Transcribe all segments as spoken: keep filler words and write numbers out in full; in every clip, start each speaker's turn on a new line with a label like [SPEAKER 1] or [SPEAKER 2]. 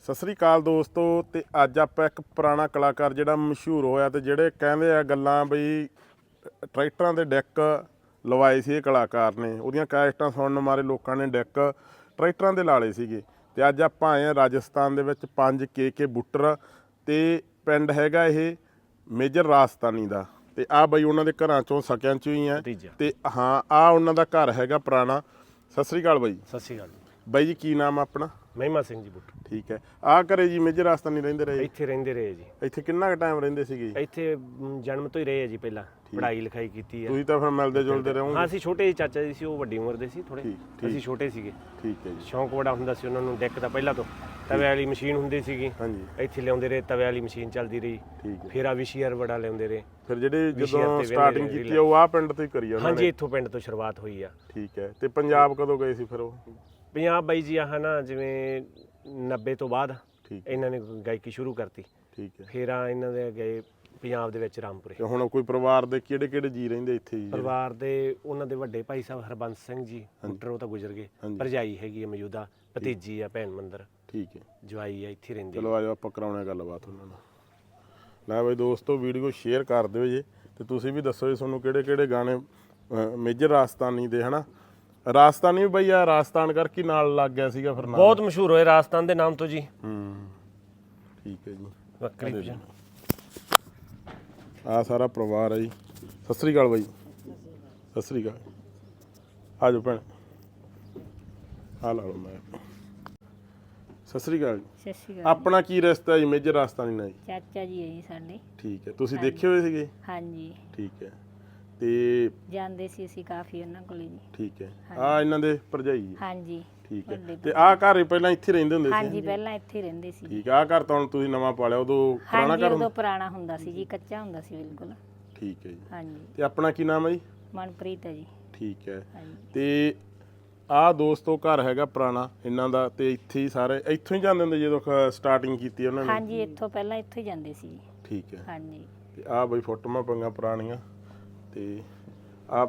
[SPEAKER 1] ਸਤਿ ਸ੍ਰੀ ਅਕਾਲ ਦੋਸਤੋ। ਤੇ ਅੱਜ ਆਪਾਂ ਇੱਕ ਪੁਰਾਣਾ ਕਲਾਕਾਰ ਜਿਹੜਾ ਮਸ਼ਹੂਰ ਹੋਇਆ ਤੇ ਜਿਹੜੇ ਕਹਿੰਦੇ ਆ ਗੱਲਾਂ ਬਈ ਟਰੈਕਟਰਾਂ ਦੇ ਡੈਕ ਲਵਾਏ ਸੀ ਇਹ ਕਲਾਕਾਰ ਨੇ, ਉਹਦੀਆਂ ਕੈਸਟਾਂ ਸੁਣਨ ਮਾਰੇ ਲੋਕਾਂ ਨੇ ਡੈਕ ਟਰੈਕਟਰਾਂ ਦੇ ਲਾ ਲਏ ਸੀਗੇ। ਤੇ ਅੱਜ ਆਪਾਂ ਆਏ ਆ ਰਾਜਸਥਾਨ ਦੇ ਵਿੱਚ ਪੰਜ ਕੇ ਕੇ ਬੁੱਟਰ ਤੇ ਪਿੰਡ ਹੈਗਾ ਇਹ ਮੇਜਰ ਰਾਜਸਥਾਨੀ ਦਾ। ਤੇ ਆ ਬਈ ਉਹਨਾਂ ਦੇ ਘਰਾਂ ਚੋਂ ਸਕਿਆਂ ਚੋਂ ਹੀ ਆ। ਤੇ ਹਾਂ ਆ ਉਹਨਾਂ ਦਾ ਘਰ ਹੈਗਾ ਪੁਰਾਣਾ। ਸਤਿ ਸ੍ਰੀ ਅਕਾਲ ਬਾਈ।
[SPEAKER 2] ਸਤਿ ਸ਼੍ਰੀ ਅਕਾਲ
[SPEAKER 1] ਬਾਈ ਜੀ ਕੀ ਨਾਮ ਆਪਣਾ?
[SPEAKER 2] ਮਹਿਮਾ ਸਿੰਘ ਜੀ ਬੁੱਟ।
[SPEAKER 1] ਠੀਕ ਹੈ। ਆਹ ਘਰੇ ਜੀ ਮੇਜਰ ਰਾਜਸਥਾਨੀ ਰਹਿੰਦੇ ਰਹੇ?
[SPEAKER 2] ਇੱਥੇ ਰਹਿੰਦੇ ਰਹੇ ਜੀ।
[SPEAKER 1] ਇੱਥੇ ਕਿੰਨਾ ਕੁ ਟਾਈਮ ਰਹਿੰਦੇ ਸੀਗੇ?
[SPEAKER 2] ਇੱਥੇ ਮ, ਜਨਮ ਤੋਂ ਹੀ ਰਹੇ ਆ ਜੀ। ਪਹਿਲਾਂ ਪੜ੍ਹਾਈ ਲਿਖਾਈ ਕੀਤੀ ਹੈ।
[SPEAKER 1] ਤੁਸੀਂ ਤਾਂ ਫਿਰ ਮਿਲਦੇ ਜੁਲਦੇ ਰਹੋਗੇ?
[SPEAKER 2] ਹਾਂ ਅਸੀਂ ਛੋਟੇ ਚਾਚਾ ਜੀ ਸੀ, ਉਹ ਵੱਡੀ ਉਮਰ ਦੇ ਸੀ ਥੋੜੇ, ਅਸੀਂ ਛੋਟੇ ਸੀਗੇ।
[SPEAKER 1] ਠੀਕ ਹੈ ਜੀ।
[SPEAKER 2] ਸ਼ੌਂਕ ਬੜਾ ਹੁੰਦਾ ਸੀ ਉਹਨਾਂ ਨੂੰ ਡੈਕ ਦਾ। ਪਹਿਲਾਂ ਤੋਂ ਤਵੇ ਵਾਲੀ ਮਸ਼ੀਨ ਹੁੰਦੀ ਸੀਗੀ,
[SPEAKER 1] ਹਾਂਜੀ
[SPEAKER 2] ਇੱਥੇ ਲਿਆਉਂਦੇ ਰਹੇ। ਤਵੇ ਵਾਲੀ ਮਸ਼ੀਨ ਚੱਲਦੀ ਰਹੀ।
[SPEAKER 1] ਠੀਕ ਹੈ।
[SPEAKER 2] ਫਿਰ ਆ ਵਿਸ਼ੀਅਰ ਬੜਾ ਲਿਆਉਂਦੇ ਰਹੇ।
[SPEAKER 1] ਫਿਰ ਜਿਹੜੇ ਜਦੋਂ ਸਟਾਰਟਿੰਗ ਕੀਤੀ ਉਹ ਆਹ ਪਿੰਡ ਤੋਂ ਹੀ ਕਰੀ ਉਹਨਾਂ ਨੇ?
[SPEAKER 2] ਹਾਂਜੀ ਇੱਥੋਂ ਪਿੰਡ ਤੋਂ ਸ਼ੁਰੂਆਤ ਹੋਈ ਆ।
[SPEAKER 1] ਠੀਕ ਹੈ। ਤੇ ਪੰਜਾਬ ਕਦੋਂ ਗਏ ਸੀ ਫਿਰ ਉਹ?
[SPEAKER 2] ਪੰਜਾਬ ਬਾਈ ਜੀ ਆਹ ਨਾ ਜਿਵੇਂ ਨੱਬੇ ਤੋਂ ਬਾਅਦ
[SPEAKER 1] ਠੀਕ
[SPEAKER 2] ਇਹਨਾਂ ਨੇ ਗਾਇਕੀ ਸ਼ੁਰੂ ਕਰਤੀ।
[SPEAKER 1] ਠੀਕ ਹੈ।
[SPEAKER 2] ਫਿਰ ਆ ਇਹਨਾਂ ਦੇ ਗਏ ਪੰਜਾਬ ਦੇ ਵਿੱਚ ਰਾਮਪੁਰੇ।
[SPEAKER 1] ਤੇ ਹੁਣ ਕੋਈ ਪਰਿਵਾਰ ਦੇ ਕਿਹੜੇ ਕਿਹੜੇ ਜੀ ਰਹਿੰਦੇ ਇੱਥੇ ਜੀ?
[SPEAKER 2] ਪਰਿਵਾਰ ਦੇ ਉਹਨਾਂ ਦੇ ਵੱਡੇ ਭਾਈ ਸਾਹਿਬ ਹਰਬੰਸ ਸਿੰਘ ਜੀ ਬੁੱਟਰ, ਉਹ ਤਾਂ ਗੁਜ਼ਰ ਗਏ। ਭਰਜਾਈ ਹੈਗੀ ਆ ਮੌਜੂਦਾ, ਭਤੀਜੀ ਆ ਭੈਣ ਮੰਦਰ।
[SPEAKER 1] ਠੀਕ ਹੈ।
[SPEAKER 2] ਜਵਾਈ ਆ ਇੱਥੇ ਰਹਿੰਦੇ।
[SPEAKER 1] ਚਲੋ ਆਜੋ ਆਪਾਂ ਕਰਾਉਣੇ ਗੱਲਬਾਤ ਉਹਨਾਂ ਨਾਲ। ਲੈ ਬਈ ਦੋਸਤੋ ਵੀਡੀਓ ਸ਼ੇਅਰ ਕਰ ਦਿਓ ਜੀ। ਤੇ ਤੁਸੀਂ ਵੀ ਦੱਸੋ ਜੀ ਤੁਹਾਨੂੰ ਕਿਹੜੇ ਕਿਹੜੇ ਗਾਣੇ ਮੇਜਰ ਰਾਜਸਥਾਨੀ ਦੇ ਹਨਾ। ਰਾਜਸਥਾਨੀ ਵੀ ਬਈ ਆ ਰਾਜਸਥਾਨ ਕਰਕੇ ਨਾਲ ਲੱਗ ਗਿਆ ਸੀਗਾ ਫਿਰ ਨਾਮ?
[SPEAKER 2] ਬਹੁਤ ਮਸ਼ਹੂਰ ਹੋਏ ਰਾਜਸਥਾਨ ਦੇ ਨਾਮ ਤੋਂ ਜੀ।
[SPEAKER 1] ਹੂੰ ਠੀਕ ਹੈ ਜੀ।
[SPEAKER 2] ਬੱਕਰੀ ਭਜਨ
[SPEAKER 1] ਆ ਸਾਰਾ ਪਰਿਵਾਰ ਹੈ ਜੀ। ਸਤਿ ਸ੍ਰੀ ਅਕਾਲ ਬਾਈ। ਸਤਿ ਸ੍ਰੀ ਅਕਾਲ। ਆ ਜਾਓ ਭੈਣ, ਆ ਲਾ ਲਓ ਮੈਂ। ਸਤਿ ਸ੍ਰੀ ਅਕਾਲ ਜੀ।
[SPEAKER 3] ਸਤਿ ਸ਼੍ਰੀ ਅਕਾਲ।
[SPEAKER 1] ਆਪਣਾ ਕੀ ਰਿਸ਼ਤਾ ਜੀ ਮੇਜਰ ਰਾਜਸਥਾਨੀ ਨਾਲ ਜੀ?
[SPEAKER 3] ਚਾਚਾ ਜੀ ਹੈ ਜੀ ਸਾਡੇ।
[SPEAKER 1] ਠੀਕ ਹੈ। ਤੁਸੀਂ ਦੇਖੇ ਹੋਏ ਸੀਗੇ?
[SPEAKER 3] ਹਾਂਜੀ
[SPEAKER 1] ਠੀਕ ਹੈ। ਤੇ
[SPEAKER 3] ਜਾਂਦੇ ਸੀ ਅਸੀਂ ਕਾਫੀ ਉਹਨਾਂ ਕੋਲੇ ਜੀ।
[SPEAKER 1] ਠੀਕ ਹੈ। ਆ ਇਹਨਾਂ ਦੇ ਭਰਜਾਈ ਜੀ?
[SPEAKER 3] ਹਾਂਜੀ
[SPEAKER 1] ਠੀਕ ਹੈ। ਤੇ ਆਹ ਘਰ ਪਹਿਲਾਂ ਇੱਥੇ ਰਹਿੰਦੇ ਹੁੰਦੇ ਸੀ?
[SPEAKER 3] ਹਾਂਜੀ ਪਹਿਲਾਂ ਇੱਥੇ ਰਹਿੰਦੇ ਸੀ।
[SPEAKER 1] ਠੀਕ ਹੈ। ਆਹ ਘਰ ਤਾਂ ਹੁਣ ਤੁਸੀਂ ਨਵਾਂ ਪਾਲਿਆ, ਉਦੋਂ ਪੁਰਾਣਾ
[SPEAKER 3] ਹਾਂਜੀ
[SPEAKER 1] ਘਰ?
[SPEAKER 3] ਉਦੋਂ ਪੁਰਾਣਾ ਹੁੰਦਾ ਸੀ ਜੀ, ਕੱਚਾ ਹੁੰਦਾ ਸੀ ਬਿਲਕੁਲ।
[SPEAKER 1] ਠੀਕ ਹੈ ਜੀ।
[SPEAKER 3] ਹਾਂਜੀ
[SPEAKER 1] ਤੇ ਆਪਣਾ ਕੀ ਨਾਮ ਹੈ ਜੀ?
[SPEAKER 3] ਮਨਪ੍ਰੀਤ ਹੈ ਜੀ।
[SPEAKER 1] ਠੀਕ ਹੈ।
[SPEAKER 3] ਹਾਂਜੀ
[SPEAKER 1] ਤੇ ਆਹ ਦੋਸਤੋ ਘਰ ਹੈਗਾ ਪੁਰਾਣਾ ਇਹਨਾਂ ਦਾ। ਤੇ ਇੱਥੇ ਹੀ ਸਾਰੇ ਇੱਥੋਂ ਹੀ ਜਾਂਦੇ ਹੁੰਦੇ ਜਦੋਂ ਸਟਾਰਟਿੰਗ ਕੀਤੀ ਉਹਨਾਂ ਨੇ?
[SPEAKER 3] ਹਾਂਜੀ ਇੱਥੋਂ ਪਹਿਲਾਂ ਇੱਥੋਂ ਹੀ ਜਾਂਦੇ ਸੀ ਜੀ।
[SPEAKER 1] ਠੀਕ ਹੈ।
[SPEAKER 3] ਹਾਂਜੀ
[SPEAKER 1] ਤੇ ਆਹ ਬਈ ਫੋਟੋਆਂ ਪੰਗਾ ਪੁਰਾਣੀਆਂ। ਤੇ ਆ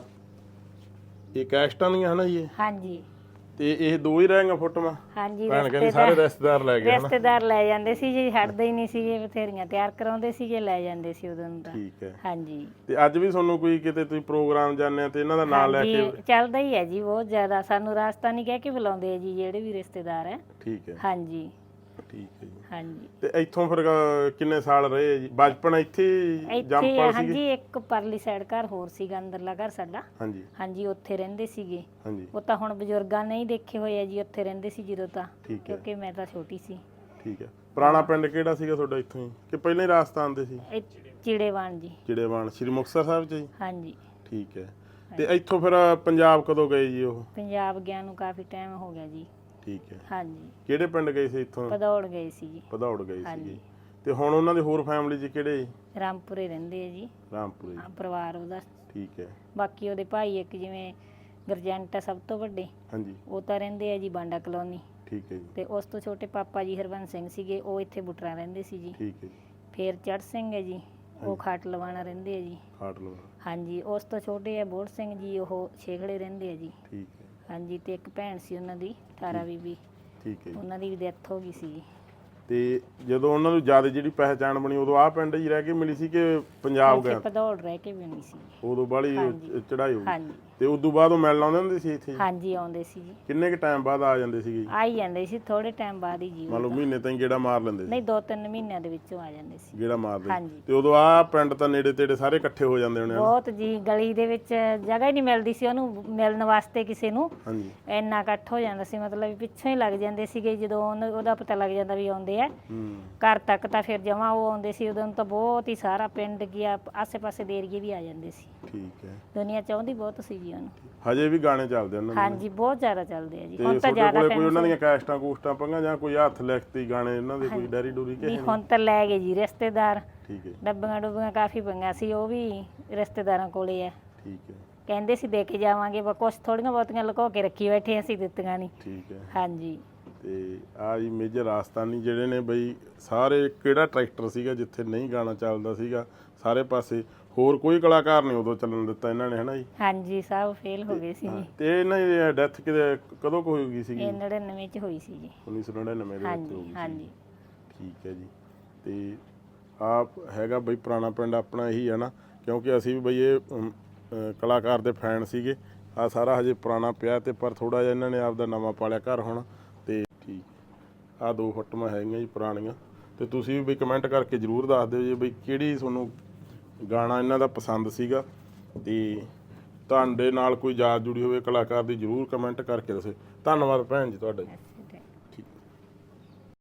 [SPEAKER 1] ਇਹ ਕੈਸਟਾਂ ਦੀਆਂ ਹਨਾ ਜੀ ਇਹ?
[SPEAKER 3] ਹਾਂਜੀ
[SPEAKER 1] ਤੇ ਇਹ ਦੋ ਹੀ ਰਹਿ ਗਈਆਂ ਫੋਟੋਆਂ?
[SPEAKER 3] ਹਾਂਜੀ
[SPEAKER 1] ਭੈਣ ਕਹਿੰਦੀ ਸਾਰੇ ਰਿਸ਼ਤੇਦਾਰ ਲੈ ਗਏ ਹਨਾ?
[SPEAKER 3] ਰਿਸ਼ਤੇਦਾਰ ਲੈ ਜਾਂਦੇ ਸੀ ਜੀ, ਹਟਦੇ ਹੀ ਨਹੀਂ ਸੀਗੇ। ਬਥੇਰੀਆਂ ਤਿਆਰ ਕਰਾਉਂਦੇ ਸੀਗੇ, ਲੈ ਜਾਂਦੇ ਸੀ ਉਦੋਂ ਤਾਂ।
[SPEAKER 1] ਠੀਕ ਹੈ।
[SPEAKER 3] ਹਾਂਜੀ
[SPEAKER 1] ਤੇ ਅੱਜ ਵੀ ਤੁਹਾਨੂੰ ਕੋਈ ਕਿਤੇ ਤੁਸੀਂ ਪ੍ਰੋਗਰਾਮ ਜਾਂਦੇ ਆ ਤੇ ਇਹਨਾਂ ਦਾ ਨਾਮ ਲੈ ਕੇ?
[SPEAKER 3] ਹਾਂਜੀ ਚੱਲਦਾ ਹੀ ਹੈ ਜੀ ਬਹੁਤ ਜ਼ਿਆਦਾ। ਸਾਨੂੰ ਰਾਜਸਥਾਨੀ ਕਹਿ ਕੇ ਬੁਲਾਉਂਦੇ ਆ ਜੀ ਜਿਹੜੇ ਵੀ ਰਿਸ਼ਤੇਦਾਰ ਹੈ।
[SPEAKER 1] ਠੀਕ ਹੈ।
[SPEAKER 3] ਹਾਂਜੀ
[SPEAKER 1] ਠੀਕ ਹੈ ਜੀ।
[SPEAKER 3] ਹਾਂਜੀ
[SPEAKER 1] ਤੇ ਇੱਥੋਂ ਫਿਰ ਅਹ, ਕਿੰਨੇ ਸਾਲ ਰਹੇ ਜੀ? ਬਚਪਨ ਇੱਥੇ
[SPEAKER 3] ਇੱਥੇ
[SPEAKER 1] ਜੰਮਪਲ ਸੀਗੇ?
[SPEAKER 3] ਹਾਂਜੀ ਇੱਕ ਪਰਲੀ ਸਾਈਡ ਘਰ ਹੋਰ ਸੀਗਾ, ਅੰਦਰਲਾ ਘਰ ਸਾਡਾ।
[SPEAKER 1] ਹਾਂਜੀ
[SPEAKER 3] ਹਾਂਜੀ ਉੱਥੇ ਰਹਿੰਦੇ ਸੀਗੇ।
[SPEAKER 1] ਹਾਂਜੀ
[SPEAKER 3] ਉਹ ਤਾਂ ਹੁਣ ਬਜ਼ੁਰਗਾਂ ਨੇ ਹੀ ਦੇਖੇ ਹੋਏ ਆ ਜੀ, ਉੱਥੇ ਰਹਿੰਦੇ ਸੀ ਜਦੋਂ ਤਾਂ,
[SPEAKER 1] ਠੀਕ ਹੈ।
[SPEAKER 3] ਕਿਉਂਕਿ ਮੈਂ ਤਾਂ ਛੋਟੀ ਸੀ।
[SPEAKER 1] ਠੀਕ ਹੈ। ਪੁਰਾਣਾ ਪਿੰਡ ਕਿਹੜਾ ਸੀਗਾ ਤੁਹਾਡਾ ਇੱਥੋਂ ਹੀ ਕਿ ਪਹਿਲਾਂ ਹੀ ਰਾਜਸਥਾਨ ਦੇ ਸੀ?
[SPEAKER 3] ਇਹ ਚਿੜੇਵਾਨ ਜੀ।
[SPEAKER 1] ਚਿੜੇਵਾਨ ਸ੍ਰੀ ਮੁਕਤਸਰ ਸਾਹਿਬ ਚ ਜੀ?
[SPEAKER 3] ਹਾਂਜੀ
[SPEAKER 1] ਠੀਕ ਹੈ। ਤੇ ਇੱਥੋਂ ਫਿਰ ਪੰਜਾਬ ਕਦੋਂ ਗਏ ਜੀ ਉਹ?
[SPEAKER 3] ਪੰਜਾਬ ਗਿਆ ਨੂੰ ਕਾਫੀ ਟਾਈਮ ਹੋ ਗਿਆ ਜੀ।
[SPEAKER 1] ਠੀਕ ਹੈ।
[SPEAKER 3] ਹਾਂਜੀ
[SPEAKER 1] ਕਿਹੜੇ ਪਿੰਡ ਗਏ ਸੀ ਇੱਥੋਂ?
[SPEAKER 3] ਭਦੌੜ ਗਏ ਸੀ ਜੀ।
[SPEAKER 1] ਭਦੌੜ ਗਏ
[SPEAKER 3] ਹਾਂਜੀ।
[SPEAKER 1] ਸੀਗੇ। ਤੇ ਹੁਣ ਉਹਨਾਂ ਦੇ ਹੋਰ ਫੈਮਿਲੀ ਚ ਕਿਹੜੇ?
[SPEAKER 3] ਰਾਮਪੁਰੇ ਰਹਿੰਦੇ ਆ ਜੀ।
[SPEAKER 1] ਰਾਮਪੁਰੇ।
[SPEAKER 3] ਹਾਂ, ਪਰਿਵਾਰ ਉਹਦਾ।
[SPEAKER 1] ਠੀਕ ਹੈ।
[SPEAKER 3] ਬਾਕੀ ਉਹਦੇ ਭਾਈ ਇੱਕ ਜਿਵੇਂ ਗਰਜੰਟ ਆ ਸਭ ਤੋਂ ਵੱਡੇ,
[SPEAKER 1] ਹਾਂਜੀ
[SPEAKER 3] ਉਹ ਤਾਂ ਰਹਿੰਦੇ ਆ ਜੀ ਬਾਂਡਾ ਕਲੋਨੀ।
[SPEAKER 1] ਠੀਕ ਹੈ ਜੀ।
[SPEAKER 3] ਤੇ ਉਸ ਤੋਂ ਛੋਟੇ ਪਾਪਾ ਜੀ ਹਰਬੰਸ ਸਿੰਘ ਸੀਗੇ, ਉਹ ਇੱਥੇ ਬੁੱਟਰਾਂ ਰਹਿੰਦੇ ਸੀ ਜੀ।
[SPEAKER 1] ਠੀਕ ਹੈ ਜੀ।
[SPEAKER 3] ਫਿਰ ਚੜ੍ਹ ਸਿੰਘ ਹੈ ਜੀ, ਉਹ ਖਾਟ ਲਵਾਣਾ ਰਹਿੰਦੇ ਆ ਜੀ।
[SPEAKER 1] ਖਾਟ ਲਵਾ।
[SPEAKER 3] ਹਾਂਜੀ ਉਸ ਤੋਂ ਛੋਟੇ ਆ ਬੋੜ ਸਿੰਘ ਜੀ, ਉਹ ਛੇਖੜੇ ਰਹਿੰਦੇ ਆ ਜੀ।
[SPEAKER 1] ਠੀਕ ਹੈ।
[SPEAKER 3] ਹਾਂਜੀ ਤੇ ਇੱਕ ਭੈਣ ਸੀ ਉਹਨਾਂ ਦੀ ਤਾਰਾ ਬੀਬੀ,
[SPEAKER 1] ਠੀਕ ਹੈ ਜੀ।
[SPEAKER 3] ਉਹਨਾਂ ਦੀ ਵੀ ਡੈਥ ਹੋ ਗਈ ਸੀ ਜੀ।
[SPEAKER 1] ਤੇ ਜਦੋਂ ਉਹਨਾਂ ਨੂੰ ਜ਼ਿਆਦਾ ਜਿਹੜੀ ਪਹਿਚਾਣ ਬਣੀ ਉਦੋਂ ਆਹ ਪਿੰਡ ਹੀ ਰਹਿ ਕੇ ਮਿਲੀ ਸੀ ਕਿ ਪੰਜਾਬ
[SPEAKER 3] ਉੱਥੇ
[SPEAKER 1] ਗਿਆ?
[SPEAKER 3] ਭਦੌੜ ਰਹਿ ਕੇ ਵੀ ਨਹੀਂ ਸੀ।
[SPEAKER 1] ਉਦੋਂ ਬਾਹਲੀ
[SPEAKER 3] ਹਾਂਜੀ।
[SPEAKER 1] ਚੜਾਈ ਹੋ ਗਈ?
[SPEAKER 3] ਹਾਂਜੀ
[SPEAKER 1] ਤੇ ਉਦੋਂ ਬਾਅਦ ਉਹ ਮਿਲਣ ਆਉਂਦੇ ਹੁੰਦੇ ਸੀ ਇੱਥੇ?
[SPEAKER 3] ਹਾਂਜੀ ਆਉਂਦੇ ਸੀ ਜੀ।
[SPEAKER 1] ਕਿੰਨੇ ਕੁ ਟਾਈਮ ਬਾਅਦ ਆ ਜਾਂਦੇ ਸੀਗੇ?
[SPEAKER 3] ਆ ਹੀ ਜਾਂਦੇ ਸੀ ਥੋੜੇ ਟਾਈਮ ਬਾਅਦ ਹੀ ਜੀ।
[SPEAKER 1] ਮੰਨ ਲਓ ਮਹੀਨੇ ਤਾਈਂ ਗੇੜਾ ਮਾਰ ਲੈਂਦੇ ਸੀ?
[SPEAKER 3] ਨਹੀਂ ਦੋ ਤਿੰਨ ਮਹੀਨਿਆਂ ਦੇ ਵਿੱਚੋਂ ਆ ਜਾਂਦੇ ਸੀ।
[SPEAKER 1] ਗੇੜਾ ਮਾਰਦੇ?
[SPEAKER 3] ਹਾਂਜੀ।
[SPEAKER 1] ਤੇ ਉਦੋਂ ਆਹ ਪਿੰਡ ਤਾਂ ਨੇੜੇ ਤੇੜੇ ਸਾਰੇ ਇਕੱਠੇ ਹੋ ਜਾਂਦੇ ਹੋਣੇ?
[SPEAKER 3] ਬਹੁਤ ਜੀ, ਗਲੀ ਦੇ ਵਿੱਚ ਜਗ੍ਹਾ ਹੀ ਨਹੀਂ ਮਿਲਦੀ ਸੀ ਉਹਨੂੰ ਮਿਲਣ ਵਾਸਤੇ ਕਿਸੇ ਨੂੰ।
[SPEAKER 1] ਹਾਂਜੀ।
[SPEAKER 3] ਇੰਨਾ ਇਕੱਠ ਹੋ ਜਾਂਦਾ ਸੀ, ਮਤਲਬ ਵੀ ਪਿੱਛੋਂ ਹੀ ਲੱਗ ਜਾਂਦੇ ਸੀਗੇ ਜਦੋਂ ਉਹਨ- ਉਹਦਾ ਪਤਾ ਲੱਗ ਜਾਂਦਾ ਵੀ ਆਉਂਦੇ ਆ
[SPEAKER 1] ਹੂੰ।
[SPEAKER 3] ਘਰ ਤੱਕ। ਤਾਂ ਫਿਰ ਜਮਾਂ ਉਹ ਆਉਂਦੇ ਸੀ ਉਦੋਂ ਤਾਂ ਬਹੁਤ ਹੀ ਸਾਰਾ ਪਿੰਡ ਗਿਆ, ਆਸੇ ਪਾਸੇ ਦੇ ਏਰੀਏ ਵੀ ਆ ਜਾਂਦੇ ਸੀ।
[SPEAKER 1] ਠੀਕ ਹੈ।
[SPEAKER 3] ਦੁਨੀਆ ਚਾਹੁੰਦੀ ਬਹੁਤ ਸੀ ਜੀ ਉਹਨੂੰ।
[SPEAKER 1] ਹਜੇ ਵੀ ਗਾਣੇ ਚੱਲਦੇ ਉਹਨਾਂ ਦੇ?
[SPEAKER 3] ਹਾਂਜੀ ਬਹੁਤ ਜ਼ਿਆਦਾ ਚੱਲਦੇ ਆ ਜੀ।
[SPEAKER 1] ਤੇ
[SPEAKER 3] ਹੁਣ ਤਾਂ
[SPEAKER 1] ਤੁਹਾਡੇ
[SPEAKER 3] ਜ਼ਿਆਦਾ
[SPEAKER 1] ਕੋਲੇ ਕੋਈ ਉਹਨਾਂ ਦੀਆਂ
[SPEAKER 3] famous
[SPEAKER 1] ਕੈਸਟਾਂ ਕੂਸਟਾਂ ਪੰਗਾ ਜਾਂ ਕੋਈ ਹੱਥ ਲਿਖਤੀ ਗਾਣੇ ਉਹਨਾਂ ਦੇ ਕੋਈ ਡੈਰੀ ਡੂਰੀ ਕਿ
[SPEAKER 3] ਨਹੀਂ, ਹੁਣ ਤਾਂ ਲੈ ਗਏ ਜੀ ਰਿਸ਼ਤੇਦਾਰ।
[SPEAKER 1] ਠੀਕ ਹੈ।
[SPEAKER 3] ਡੱਬੀਆਂ ਡੁੱਬੀਆਂ ਕਾਫੀ ਪੰਗਾ ਸੀ, ਉਹ ਵੀ ਰਿਸ਼ਤੇਦਾਰਾਂ ਕੋਲੇ ਆ।
[SPEAKER 1] ਠੀਕ ਹੈ।
[SPEAKER 3] ਕਹਿੰਦੇ ਸੀ ਦੇ ਕੇ ਜਾਵਾਂਗੇ, ਪਰ ਕੁਛ ਥੋੜੀਆਂ ਬਹੁਤੀਆਂ ਲੁਕੋ ਕੇ ਰੱਖੀ ਬੈਠੇ, ਅਸੀਂ ਦਿੱਤੀਆਂ ਨਹੀਂ।
[SPEAKER 1] ਠੀਕ ਹੈ।
[SPEAKER 3] ਹਾਂਜੀ
[SPEAKER 1] ਤੇ ਆ ਜੀ ਮੇਜਰ ਰਾਜਸਥਾਨੀ ਜਿਹੜੇ ਨੇ ਬਈ ਸਾਰੇ ਕਿਹੜਾ ਟਰੈਕਟਰ ਸੀਗਾ ਜਿੱਥੇ ਨਹੀਂ ਗਾਣਾ ਚੱਲਦਾ ਸੀਗਾ ਸਾਰੇ ਪਾਸੇ? ਹੋਰ ਕੋਈ ਕਲਾਕਾਰ ਨਹੀਂ ਉਦੋਂ ਚੱਲਣ ਦਿੱਤਾ ਇਹਨਾਂ ਨੇ, ਹਨਾ ਜੀ?
[SPEAKER 3] ਹਾਂਜੀ ਸਭ ਫੇਲ ਹੋ ਗਏ ਸੀ ਜੀ।
[SPEAKER 1] ਤੇ ਇਹਨਾਂ ਦੀ ਡੈਥ ਕਿਤੇ ਕਦੋਂ ਕੁ ਹੋ ਗਈ ਸੀਗੀ?
[SPEAKER 3] ਇਹ ਨੜਿਨਵੇਂ ਚ ਹੋਈ ਸੀ ਜੀ।
[SPEAKER 1] ਉੱਨੀ ਸੌ ਨੜਿਨਵੇਂ ਦੇ ਵਿੱਚ ਹੋ
[SPEAKER 3] ਹਾਂਜੀ
[SPEAKER 1] ਗਈ ਸੀ।
[SPEAKER 3] ਹਾਂਜੀ
[SPEAKER 1] ਠੀਕ ਹੈ ਜੀ। ਤੇ ਆ ਹੈਗਾ ਬਈ ਪੁਰਾਣਾ ਪਿੰਡ ਆਪਣਾ ਇਹੀ ਹੈ ਨਾ, ਕਿਉਂਕਿ ਅਸੀਂ ਵੀ ਬਈ ਇਹ ਅਮ, ਅ, ਕਲਾਕਾਰ ਦੇ ਫੈਨ ਸੀਗੇ। ਆ ਸਾਰਾ ਹਜੇ ਪੁਰਾਣਾ ਪਿਆ ਤੇ ਪਰ ਥੋੜਾ ਜਿਹਾ ਇਹਨਾਂ ਨੇ ਆਪਦਾ ਨਵਾਂ ਪਾਲਿਆ ਘਰ ਹੁਣ। ਤੇ ਠੀਕ ਆ ਦੋ ਫੋਟੋਆਂ ਹੈਗੀਆਂ ਜੀ ਪੁਰਾਣੀਆਂ। ਤੇ ਤੁਸੀਂ ਵੀ ਕਮੈਂਟ ਕਰਕੇ ਜ਼ਰੂਰ ਦੱਸ ਦਿਓ ਜੀ ਬਈ ਕਿਹੜੀ ਤੁਹਾਨੂੰ ਗਾਣਾ ਇਹਨਾਂ ਦਾ ਪਸੰਦ ਸੀਗਾ, ਤੇ ਤੁਹਾਡੇ ਨਾਲ ਕੋਈ ਯਾਦ ਜੁੜੀ ਹੋਵੇ ਕਲਾਕਾਰ ਦੀ, ਜ਼ਰੂਰ ਕਮੈਂਟ ਕਰਕੇ ਦੱਸੋ। ਧੰਨਵਾਦ ਭੈਣ ਜੀ ਤੁਹਾਡਾ ਜੀ।